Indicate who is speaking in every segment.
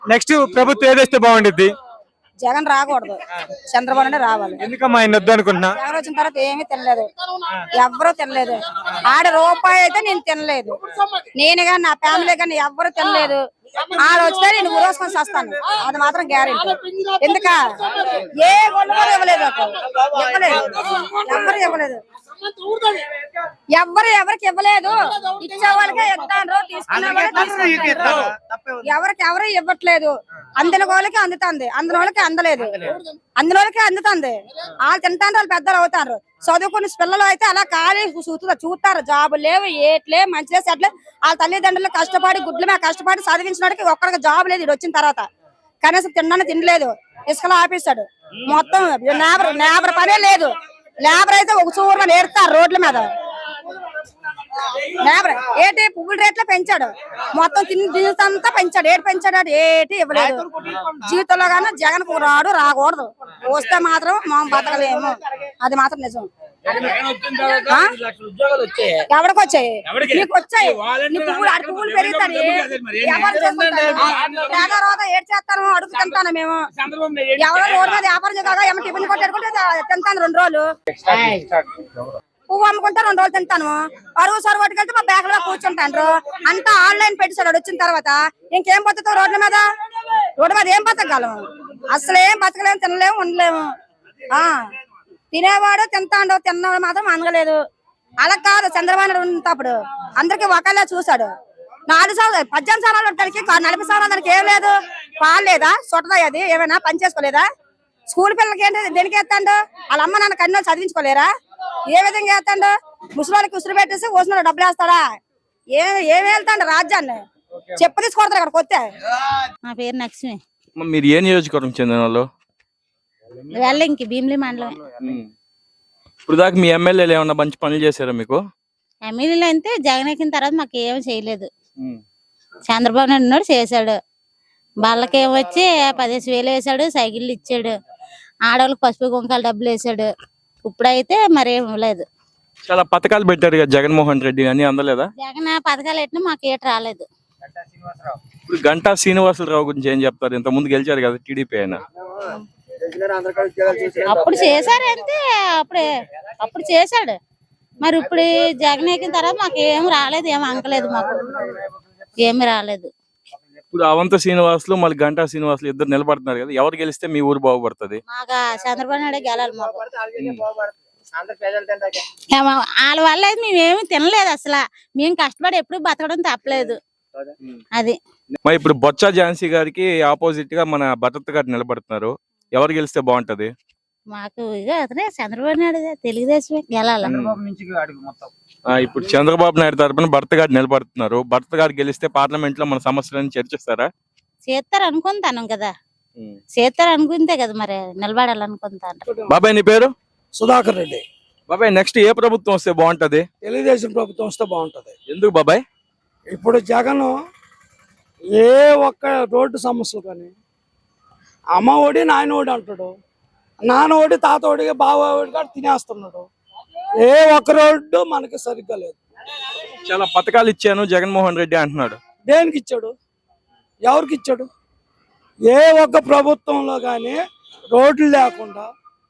Speaker 1: Next ప్రభుత్వం ఏదైతే బాగుండిద్ది?
Speaker 2: జగన్ రాకూడదు, చంద్రబాబు నాయుడు రావాలి.
Speaker 1: ఎందుకమ్మా ఆయన వద్దు అనుకుంటున్నా?
Speaker 2: జగన్ వచ్చిన తర్వాత ఏమీ తినలేదు, ఎవ్వరూ తినలేదు. ఆడ రూపాయి అయితే నేను తినలేదు, నేను కానీ నా ఫ్యామిలీ కానీ ఎవ్వరు తినలేదు. ఆడ వస్తే నేను ఊరేసుకొని వస్తాను, అది మాత్రం గ్యారెంటీ. ఎందుక ఏ వాళ్ళు కూడా ఇవ్వలేదు, ఎవ్వరు ఇవ్వలేదు, ఎవరికి ఇవ్వలేదు. ఇచ్చే వాళ్ళకే ఇస్తాను, తీసుకునే వాళ్ళకి ఎవరికి ఎవరు ఇవ్వట్లేదు. అందిన వాళ్ళకి అందుతుంది, అందిన వాళ్ళకి అందలేదు, అందిన వాళ్ళకి అందుతుంది. వాళ్ళు తింటారు, వాళ్ళు పెద్దలు అవుతారు. చదువుకున్న పిల్లలు అయితే అలా ఖాళీ చూస్తారు, జాబులు లేవు, ఏట్లే మంచిలే సెట్లే. వాళ్ళ తల్లిదండ్రులు కష్టపడి గుడ్ల మీద కష్టపడి చదివించినడికి ఒక్కడికి జాబ్ లేదు. ఇది వచ్చిన తర్వాత కనీసం తినడానికి తినలేదు, ఇసుకలో ఆపేశాడు మొత్తం. లేబర్ పనే లేదు. లేబర్ అయితే ఒక చూరు నేర్తారు రోడ్ల మీద. లేబర్ ఏటి పువ్వుల రేట్లు పెంచాడు, మొత్తం తింతా పెంచాడు. ఏటి పెంచాడు, ఏటి ఇవ్వలేదు. జీవితంలో కానీ జగన్ రాడు, రాకూడదు. వస్తే మాత్రం మనం బతకలేము, అది మాత్రం నిజం. ఎవరికి వచ్చాయి? నీకు వచ్చాయి. పువ్వులు పెరుగుతాయి, ఎవరు చేసుకుంటారు? ఏడు చేస్తాను, అడుగు తింటాను మేము. ఎవరో రోడ్డు మీద వ్యాపారం చేయగా ఏమో టిఫిన్ కొట్టేసుకుంటే తింటాను 2 రోజులు. పువ్వు అమ్ముకుంటా 2 రోజులు తింటాను. అరువు సరువు పట్టుకెళ్తే మా బ్యాగ్ లో కూర్చుంటాను. అంతా ఆన్లైన్ పెట్టేశాడు. వచ్చిన తర్వాత ఇంకేం బతుకుతావు రోడ్ల మీద? రోడ్డు మీద ఏం బతకగలం? అసలు ఏం బతకలేము, తినలేము, ఉండలేము. తినేవాడు తింటాడు, తిన్నవాడు మాత్రం అనగలేదు. అలా కాదు, చంద్రబాబు నాయుడు ఉన్నప్పుడు అందరికి ఒకళ్ళే చూశాడు. 4 సంవత్సరాలు 18 సంవత్సరాలు ఉంటానికి 40 సంవత్సరాలు దానికి ఏం లేదు. పాలు లేదా, చుట్టదా, అది ఏమైనా పని చేసుకోలేదా? స్కూల్ పిల్లలకి ఏంటి దేనికి వేస్తాడు? వాళ్ళ అమ్మ నాన్న కన్నా చదివించుకోలేరా? ఏ విధంగా వేస్తాడు? ముసలికి ఉసురు పెట్టేసి ఓసిన డబ్బులు వేస్తాడా? ఏమి వెళ్తాడు రాజ్యాన్ని? చెప్పు తీసుకొడతారు ఇక్కడికి వస్తే.
Speaker 3: నా పేరు లక్ష్మి.
Speaker 1: మీరు ఏ నియోజకవర్గం చెందిన వాళ్ళు?
Speaker 3: వెల్లింకి భీమిలి మండలం.
Speaker 1: ఇప్పుడు దాకా మీ ఎమ్మెల్యేలు ఏమన్నా మంచి పనులు చేశారా మీకు?
Speaker 3: ఎమ్మెల్యేలు అంటే జగన్ ఎక్కిన తర్వాత మాకు ఏమి చేయలేదు. చంద్రబాబు నాయుడు చేశాడు. వాళ్ళకి ఏమొచ్చి 15,000 వేసాడు, సైకిళ్ళు ఇచ్చాడు, ఆడవాళ్ళకి పసుపు కుంకాలు డబ్బులు వేసాడు. ఇప్పుడైతే మరేం లేదు.
Speaker 1: చాలా పథకాలు పెట్టారు కదా జగన్మోహన్ రెడ్డి, అని అందలేదా?
Speaker 3: జగన్ పథకాలు పెట్టినా మాకు ఏట రాలేదు.
Speaker 1: ఇప్పుడు గంటా శ్రీనివాసరావు గురించి ఏం చెప్తారు? ఇంత ముందు గెలిచారు కదా టీడీపీ ఆయన.
Speaker 3: అప్పుడు చేశారు అంతే, అప్పుడు చేశాడు. మరి ఇప్పుడు జగన్ ఎక్కిన తర్వాత మాకు ఏం రాలేదు, ఏం అంకలేదు, మాకు ఏమి రాలేదు.
Speaker 1: ఇప్పుడు అవంత శ్రీనివాసులు మళ్ళీ గంటా శ్రీనివాసులు ఇద్దరు నిలబడుతున్నారు కదా, ఎవరు గెలిస్తే మీ ఊరు బాగుపడుతుంది?
Speaker 3: మాకు చంద్రబాబు నాయుడు గెలాలి. మాకు వాళ్ళ వల్ల అయితే మేమేమి తినలేదు. అసలు మేము కష్టపడి ఎప్పుడు బతకడం తప్పలేదు. అది
Speaker 1: మరి ఇప్పుడు బొత్స ఝాన్సీ గారికి ఆపోజిట్ గా మన భరత్ గారు నిలబడుతున్నారు, ఎవరు గెలిస్తే బాగుంటది?
Speaker 3: మాకు ఇక అతనే చంద్రబాబు నాయుడు తెలుగుదేశమే గెలాలి.
Speaker 1: ఇప్పుడు చంద్రబాబు నాయుడు తరపున భరత్ గారు నిలబడుతున్నారు. భరత్ గారు గెలిస్తే పార్లమెంట్ లో మన సమస్యలను చర్చిస్తారా?
Speaker 3: చేస్తారు అనుకుంటాను కదా, చేస్తారు అనుకుంటే కదా మరి నిలబడాలనుకుంటాను.
Speaker 1: బాబాయ్ నీ పేరు?
Speaker 4: సుధాకర్ రెడ్డి.
Speaker 1: బాబాయ్ నెక్స్ట్ ఏ ప్రభుత్వం వస్తే బాగుంటది?
Speaker 4: తెలుగుదేశం ప్రభుత్వం వస్తే బాగుంటది.
Speaker 1: ఎందుకు బాబాయ్?
Speaker 4: ఇప్పుడు జగన్ ఏ ఒక్క రోడ్డు సమస్యలు కానీ అమ్మ ఒడి నాయన ఒడి అంటాడు, నాన్న ఒడి తాత ఒడి బావ ఒడి కూడా తినేస్తున్నాడు. ఏ ఒక్క రోడ్డు మనకి సరిగ్గా లేదు.
Speaker 1: చాలా పథకాలు ఇచ్చాను జగన్మోహన్ రెడ్డి అంటున్నాడు.
Speaker 4: దేనికి ఇచ్చాడు? ఎవరికి ఇచ్చాడు? ఏ ఒక్క ప్రభుత్వంలో కానీ రోడ్లు లేకుండా,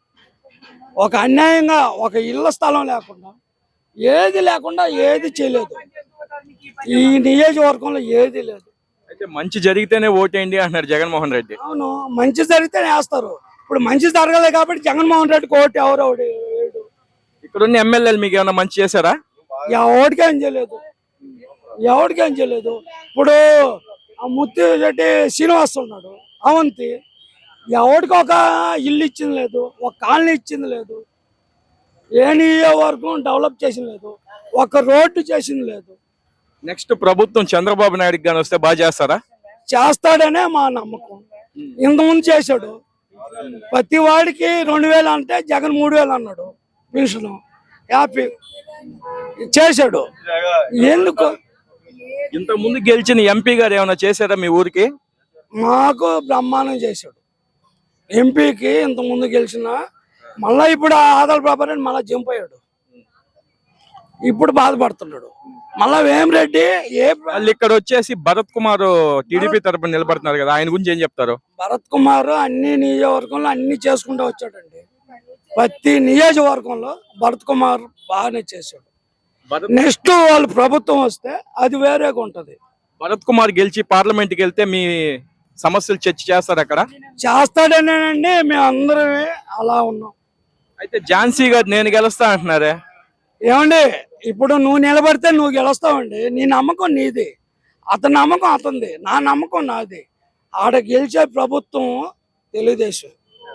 Speaker 4: ఒక అన్యాయంగా ఒక ఇళ్ల స్థలం లేకుండా, ఏది లేకుండా ఏది చేయలేదు. ఈ నియోజకవర్గంలో ఏది లేదు.
Speaker 1: అయితే మంచి జరిగితేనే ఓటేయండి అంటున్నారు జగన్మోహన్ రెడ్డి.
Speaker 4: అవును, మంచి జరిగితేనే వేస్తారు. ఇప్పుడు మంచి జరగలేదు కాబట్టి జగన్మోహన్ రెడ్డికి ఓటు ఎవరు వేయడు.
Speaker 1: ఇక్కడ ఉన్న ఎమ్మెల్యేలు మీకు ఏమైనా మంచి చేశారా?
Speaker 4: ఎవరికేం చేయలేదు, ఎవరికేం చేయలేదు. ఇప్పుడు ముత్తి రెడ్డి శ్రీనివాస్ ఉన్నాడు, అవంతి, ఎవరికి ఒక ఇల్లు ఇచ్చింది లేదు, ఒక కాలనీ ఇచ్చింది లేదు, ఏ నియోజకవర్గం డెవలప్ చేసింది లేదు, ఒక రోడ్డు చేసింది లేదు.
Speaker 1: నెక్స్ట్ ప్రభుత్వం చంద్రబాబు నాయుడుకి గాని వస్తే బాగా చేస్తారా?
Speaker 4: చేస్తాడనే మా నమ్మకం. ఇంతకుముందు చేశాడు, ప్రతి వాడికి 2,000 అంటే జగన్ 3,000 అన్నాడు పెన్షన్, హ్యాపీ చేశాడు. ఎందుకు?
Speaker 1: ఇంత ముందు గెలిచిన ఎంపీ గారు ఏమైనా చేశారా మీ ఊరికి?
Speaker 4: మాకు బ్రహ్మాండం చేశాడు. ఎంపీకి ఇంత ముందు గెలిచిన మళ్ళా ఇప్పుడు ఆదాల ప్రభావం మళ్ళా జంప్ అయ్యాడు. ఇప్పుడు బాధపడుతున్నాడు. మళ్ళా వేమిరెడ్డి
Speaker 1: వాళ్ళు ఇక్కడ వచ్చేసి భరత్ కుమార్ టీడీపీ తరపున నిలబడుతున్నారు కదా, ఆయన గురించి ఏం చెప్తారు?
Speaker 4: భరత్ కుమార్ అన్ని నియోజకవర్గంలో అన్ని చేసుకుంటూ వచ్చాడండి. ప్రతి నియోజకవర్గంలో భరత్ కుమార్ బాగానే చేశాడు. నెక్స్ట్ వాళ్ళు ప్రభుత్వం వస్తే అది వేరేగా ఉంటది.
Speaker 1: భరత్ కుమార్ గెలిచి పార్లమెంట్ కి వెళ్తే మీ సమస్యలు చర్చ చేస్తారు అక్కడ?
Speaker 4: చేస్తాడనేనండి, మేము అందరమే అలా ఉన్నాం.
Speaker 1: అయితే ఝాన్సీ గారు నేను గెలుస్తా అంటున్నారే?
Speaker 4: ఏమండి, ఇప్పుడు నువ్వు నిలబడితే నువ్వు గెలుస్తావండి. నీ నమ్మకం నీది, అతని నమ్మకం అతనిది, నా నమ్మకం నాది. ఆడ గెలిచే ప్రభుత్వం తెలుగుదేశం.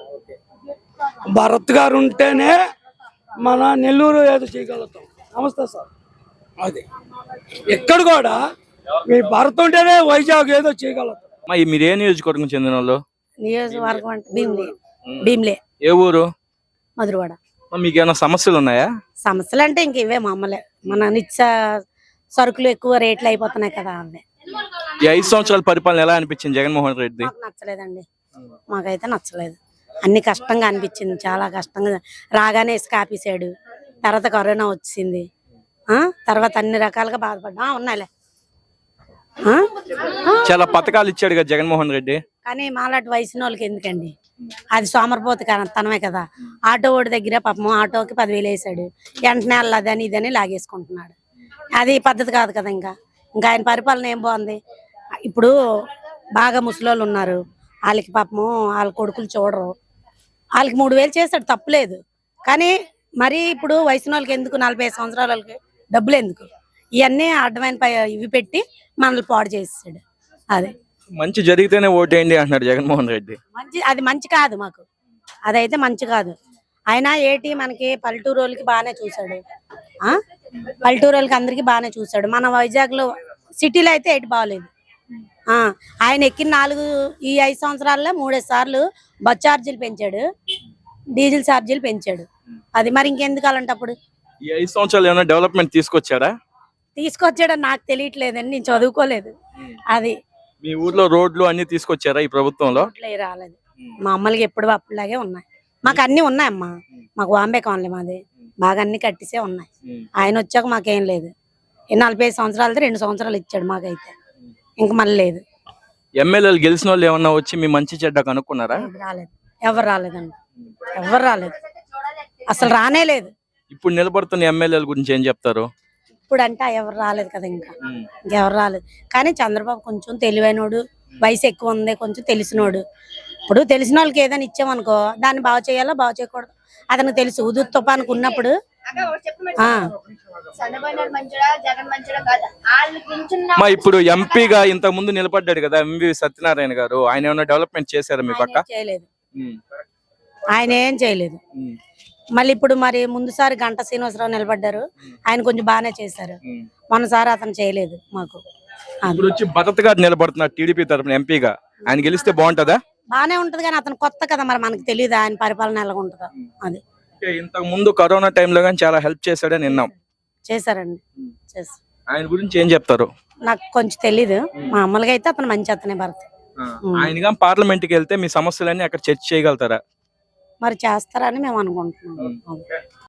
Speaker 4: భరత్ గారు ఉంటేనే మన నెల్లూరు ఏదో చేయగలుగుతాం. నమస్తే సార్. అది ఎక్కడ కూడా మీ భరత్ ఉంటేనే వైజాగ్ ఏదో చేయగలుగుతాం.
Speaker 1: మీరు ఏ నియోజకవర్గం చెందిన వాళ్ళు?
Speaker 2: నియోజకవర్గం అంటే భీమిలే.
Speaker 1: ఏ ఊరు?
Speaker 2: మధురవాడ.
Speaker 1: మీకు ఏమైనా సమస్యలు ఉన్నాయా?
Speaker 2: సమస్యలు అంటే ఇంక ఇవే మామూలే. మన నిత్య సరుకులు ఎక్కువ రేట్లు అయిపోతున్నాయి కదా, అవే.
Speaker 1: ఈ 5 సంవత్సరాల పరిపాలన ఎలా అనిపించింది జగన్మోహన్ రెడ్డి?
Speaker 2: మాకు నచ్చలేదండి, మాకైతే నచ్చలేదు. అన్ని కష్టంగా అనిపించింది, చాలా కష్టంగా. రాగానే ఇసుక ఆపేసాడు, తర్వాత కరోనా వచ్చింది, తర్వాత అన్ని రకాలుగా బాధపడ్డా ఉన్నాయిలే.
Speaker 1: చాలా పథకాలు ఇచ్చాడు కదా జగన్మోహన్ రెడ్డి.
Speaker 2: కానీ మాలాంటి వయసు వాళ్ళకి ఎందుకండి, అది సోమరపోతు తనమే కదా. ఆటో ఓడి దగ్గర పాపం ఆటోకి 10,000 వేసాడు, వెంటనే అల్లని ఇదని లాగేసుకుంటున్నాడు. అది పద్ధతి కాదు కదా. ఇంకా ఆయన పరిపాలన ఏం బాగుంది. ఇప్పుడు బాగా ముసలోళ్ళు ఉన్నారు, వాళ్ళకి పాపము వాళ్ళ కొడుకులు చూడరు, వాళ్ళకి 3,000 చేస్తాడు, తప్పులేదు. కానీ మరి ఇప్పుడు వయసు వాళ్ళకి ఎందుకు, 45 సంవత్సరాల వాళ్ళకి డబ్బులు ఎందుకు? ఇవన్నీ అడ్డమైన ఇవి పెట్టి మనల్ని పాడు చేసాడు. అదే
Speaker 1: మంచి జరిగితేనే ఓటేయండి అంటున్నాడు జగన్మోహన్ రెడ్డి.
Speaker 2: అది మంచి కాదు మాకు, అదైతే మంచి కాదు. ఆయన ఏటి మనకి పల్లెటూరు వాళ్ళకి బాగానే చూసాడు, పల్లెటూరు వాళ్ళకి అందరికి బాగానే చూసాడు. మన వైజాగ్ లో సిటీలో అయితే ఏటి బాగలేదు. ఆయన ఎక్కిన ఈ 5 సంవత్సరాల్లో 3 సార్లు బస్ ఛార్జీలు పెంచాడు, డీజిల్ ఛార్జీలు పెంచాడు. అది మరి ఇంకెందుకు అలాంటప్పుడు?
Speaker 1: ఈ 5 సంవత్సరాలు ఏమైనా డెవలప్మెంట్ తీసుకొచ్చాడా?
Speaker 2: తీసుకొచ్చాడని నాకు తెలియట్లేదండి, నేను చదువుకోలేదు. అది
Speaker 1: మీ ఊర్లో రోడ్లు అన్ని తీసుకొచ్చారా ఈ ప్రభుత్వంలో?
Speaker 2: రాలేదు, మామూలుగా ఎప్పుడు అప్పుడులాగే ఉన్నాయి. మాకు అన్ని ఉన్నాయమ్మా, మాకు వాంబే కాలనీ మాది, బాగా అన్ని కట్టిసే ఉన్నాయి. ఆయన వచ్చాక మాకేం లేదు. 45 సంవత్సరాలతో 2 సంవత్సరాలు ఇచ్చాడు మాకైతే, ఇంక మళ్ళీ లేదు.
Speaker 1: ఎమ్మెల్యేలు గెలిచిన వాళ్ళు ఏమన్నా వచ్చి మీ మంచి చెడ్డ కనుక్కున్నారా?
Speaker 2: రాలేదు, ఎవరు రాలేదండి, ఎవరు రాలేదు, అసలు రానే లేదు.
Speaker 1: ఇప్పుడు నిలబడుతున్న ఎమ్మెల్యేల గురించి ఏం చెప్తారు?
Speaker 2: ఇప్పుడు అంటే ఎవరు రాలేదు కదా, ఇంకెవరు రాలేదు. కానీ చంద్రబాబు కొంచెం తెలివైనోడు, వయసు ఎక్కువ ఉంది, కొంచెం తెలిసినోడు. ఇప్పుడు తెలిసిన వాళ్ళకి ఏదైనా ఇచ్చామనుకో, దాన్ని బాగు చేయాలో బాగు చేయకూడదు అతనికి తెలుసు. ఉదు తుఫానికి ఉన్నప్పుడు
Speaker 1: ఇప్పుడు ఎంపీగా ఇంత ముందు నిలబడ్డాడు కదా ఎంవి సత్యనారాయణ గారు, ఆయన ఏమైనా డెవలప్మెంట్ చేశారా మీ పక్క?
Speaker 2: చేయలేదు, ఆయన ఏం చేయలేదు. మళ్ళీ ఇప్పుడు మరి ముందుసారి గంట శ్రీనివాసరావు నిలబడ్డారు, ఆయన కొంచెం బాగానే చేశారు. మొన్నసారి అతను చేయలేదు మాకు.
Speaker 1: ఇప్పుడు వచ్చి భరత్ గారు నిలబడుతున్నారు టీడీపీ తరఫున ఎంపీగా, ఆయన గెలిస్తే బాగుంటదా?
Speaker 2: బానే ఉంటది, కానీ అతను కొత్త కదా, మరి మనకు తెలియదు ఆయన పరిపాలన ఎలా ఉంటుందో. అది
Speaker 1: ఇంతకు ముందు కరోనా టైంలో కానీ చాలా హెల్ప్ చేశాడని విన్నాం.
Speaker 2: చేశారండి, చేశారు.
Speaker 1: ఆయన గురించి ఏం చెప్తారు?
Speaker 2: నాకు కొంచెం తెలీదు, మామూలుగా అయితే అతను మంచి అతనే భరత్.
Speaker 1: ఆయన పార్లమెంట్ కి వెళ్తే మీ సమస్యలన్నీ అక్కడ చర్చ చేయగలుగుతారా?
Speaker 2: మరి చేస్తారని మేము అనుకుంటున్నాం.